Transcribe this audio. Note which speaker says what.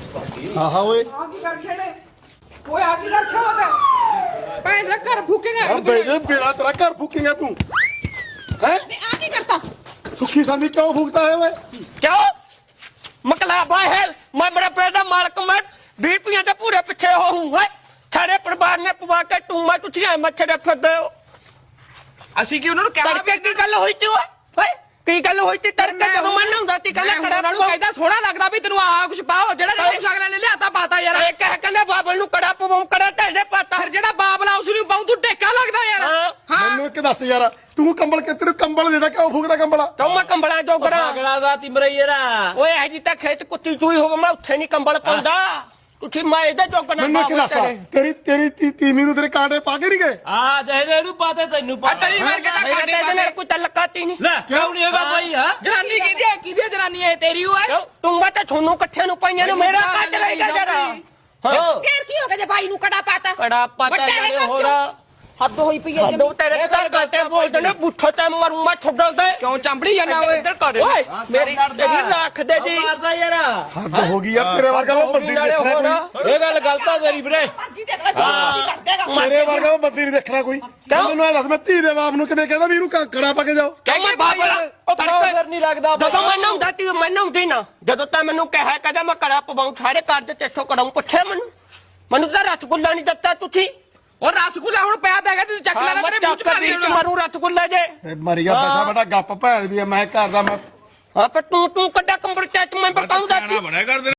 Speaker 1: हाँ हाँ ओए
Speaker 2: आगे कर खेने ओए आगे कर क्या होता है पैर रख कर फूकेगा
Speaker 1: अब बेटे बेड़ा तेरा घर फूकेगा तू हैं
Speaker 2: मैं आगे करता
Speaker 1: सुखी सांदी क्यों फूकता है वे
Speaker 3: क्यों मकलाबा है मैं बड़ा पैदा मालक मैं बीपियां के पूरे पीछे हो हूं है सारे परिवार ने पवा के टूमा टुटियां मच्छर फिरदे हो
Speaker 2: ਅਸੀਂ ਕੀ ਉਹਨਾਂ ਨੂੰ ਕਹਿਣਾ
Speaker 3: ਤੜਕੇ ਕੀ ਗੱਲ ਹੋਈ ਤੀ ਓਏ ਕੀ ਗੱਲ ਹੋਈ ਤੀ ਤੜਕੇ ਜਦੋਂ ਮੈਂ ਨਹਾਉਂਦਾ ਤੀ ਕਹਿੰਦਾ
Speaker 2: ਉਹਨਾਂ
Speaker 3: ਕੜਾ
Speaker 2: ਨੂੰ ਕਹਿੰਦਾ ਸੋਹਣਾ ਲੱਗਦਾ ਵੀ ਤੈਨੂੰ ਆਹ ਕੁਝ ਪਾਓ ਜਿਹੜਾ ਕੁਝ ਅਗਲੇ ਨੇ ਲਿਆਤਾ ਪਾਤਾ ਯਾਰ
Speaker 3: ਇਹ ਕਹਿ ਕਹਿੰਦਾ ਬਾਬਲ ਨੂੰ ਕੜਾ ਪਵਾਉਂ ਕੜਾ ਢੇਡੇ ਪਾਤਾ
Speaker 2: ਫਿਰ ਜਿਹੜਾ ਬਾਬਲਾ ਉਸ ਨੂੰ ਪਾਉਂ ਤੂੰ ਟੇਕਾ ਲੱਗਦਾ ਯਾਰ ਹਾਂ
Speaker 1: ਮੈਨੂੰ ਇੱਕ ਦੱਸ ਯਾਰ ਤੂੰ ਕੰਬਲ ਕਿ ਤੈਨੂੰ ਕੰਬਲ ਦੇਦਾ ਕਿਉਂ ਫੂਕਦਾ ਕੰਬਲ
Speaker 3: ਤੂੰ ਮੈਂ ਕੰਬਲਾਂ ਜੋਗਰਾ
Speaker 4: ਸਾਗੜਾ ਦਾ ਤਿਮਰਈਰਾ
Speaker 3: ਓਏ ਹਜੀ ਤਾਂ ਖੇਤ ਕੁੱਤੀ ਚੂਈ ਹੋਵੇ ਮੈਂ ਉੱਥੇ ਨਹੀਂ ਕੰਬਲ ਪਾਉਂਦਾ ਤੁਸੀਂ ਮੈਂ ਇਹਦੇ ਜੋਗਣਾ
Speaker 1: ਮੈਨੂੰ ਇੱਕ ਦੱਸ ਤੇਰੀ ਤੀਵੀਂ ਨੂੰ ਤੇਰੇ ਕਾਂਟੇ ਪਾ ਕੇ ਨਹੀਂ ਗਏ
Speaker 4: ਆ ਜਿਹਦੇ ਨੂੰ ਪਾਤੇ ਤੈਨੂੰ ਪਤਾ
Speaker 2: ਤੇਰੀ ਵਰਗੇ ਤਾਂ ਕਾਂਟੇ
Speaker 3: ਇਹਦੇ ਨਾਲ ਕੋਈ ਤਲਕਾਤੀ ਨਹੀਂ
Speaker 4: ਲੈ ਕਿਉਂ ਨਹੀਂ ਹੈਗਾ ਭਾਈ ਹਾਂ
Speaker 2: ਜਨਾਨੀ ਕਿਹਦੀ ਜਨਾਨੀ ਹੈ ਤੇਰੀ ਓਏ
Speaker 3: ਤੂੰ ਮੈਂ ਤਾਂ ਤੁਹਾਨੂੰ ਇਕੱਠਿਆਂ ਨੂੰ ਪਾਈਆਂ ਨੂੰ ਮੇਰਾ ਕੱਟ ਰਹੇਗਾ ਜਰਾ
Speaker 2: ਫੇਰ ਕੀ ਹੋ ਗਿਆ ਜੇ ਭਾਈ ਨੂੰ ਕੜਾ ਪਾਤਾ
Speaker 3: ਕੜਾ ਪਾਤਾ ਨਾਲੇ ਹੋਰ
Speaker 2: ਹੱਦ ਹੋਈ ਪਈ ਹੈ
Speaker 3: ਹੱਦੋਂ ਤੇਰੇ ਘਰ ਗੱਟੇ ਬੋਲਦੇ ਨੇ ਬੁੱਠੋ ਤੇ ਮਰੂ ਮੈਂ ਛੱਡਲ ਦੇ
Speaker 2: ਕਿਉਂ ਚੰਬੜੀ ਜਾਂਦਾ ਓਏ
Speaker 3: ਇੱਧਰ ਕਰ ਓਏ ਮੇਰੀ ਰੱਖ ਦੇ ਜੀ
Speaker 4: ਮਾਰਦਾ ਯਾਰ
Speaker 1: ਹੱਦ ਹੋ ਗਈ ਯਾਰ ਤੇਰੇ ਵਰਗਾ ਉਹ ਬੰਦੀ
Speaker 3: ਨਾਲੇ
Speaker 1: ਦੇਖਣਾ
Speaker 3: ਹੋਰ
Speaker 1: ਕੋਈ
Speaker 4: ਇਹ ਗੱਲ ਗਲਤ ਆ ਤੇਰੀ ਵੀਰੇ
Speaker 1: ਤੇਰੇ ਵਰਗਾ ਉਹ ਬੰਦੀ ਨਹੀਂ ਦੇਖਣਾ ਕੋਈ ਮੈਨੂੰ ਇਹ ਦੱਸ ਮੈਂ ਧੀ ਦੇ ਬਾਪ ਨੂੰ ਕਿਵੇਂ ਕਹਿੰਦਾ ਵੀ ਇਹਨੂੰ ਕੜਾ ਪਾ ਕੇ ਜਾਓ
Speaker 3: ਕਿਉਂ ਮੈਂ ਬਾਬਲਾ ਉਹ
Speaker 4: ਤੜਕੇ ਫਿਰ ਨਹੀਂ ਲੱਗਦਾ
Speaker 3: ਜਦੋਂ ਮੈਂ ਨਹਾਉਂਦਾ ਤੀ ਮੈਂ ਨਹਾਉਂਦੀ ਨਾ ਜਦੋਂ ਤਾਂ ਮੈਨੂੰ ਕਹਿਆ ਕਹਦਾ ਮੈਂ ਕੜਾ ਪਵਾਉਂ ਸਾਰੇ ਘਰ ਦੇ ਤੇਥੋਂ ਕੜਾਉਂ ਪੁੱਛਿਆ ਮੈਨੂੰ ਤਾਂ ਰਸਗੁੱਲਾ ਨਹੀਂ ਦਿੱਤਾ ਤੁਸੀਂ
Speaker 2: ਉਹ ਰਸਗੁੱਲਾ ਹੁਣ ਪਿਆ ਤਾਂ ਹੈਗਾ ਤੂੰ ਚੱਕ ਲੈਣਾ ਤੇਰੇ ਮੂੰਹ ਚ ਪਾ ਦੇ
Speaker 3: ਮਾਰੂ ਰਸਗੁੱਲਾ ਜੇ
Speaker 1: ਮਰੀ ਗਿਆ ਬੈਠਾ ਬੈਠਾ ਗੱਪ ਭੈਣ ਵੀ ਮੈਂ ਘਰ ਦਾ ਮੈਂ
Speaker 3: ਹਾਂ ਪਰ ਤੂੰ ਕੱਡਾ ਕੰਬਰ ਚੱਟ ਮੈਂ ਬਕਾਉਂਦਾ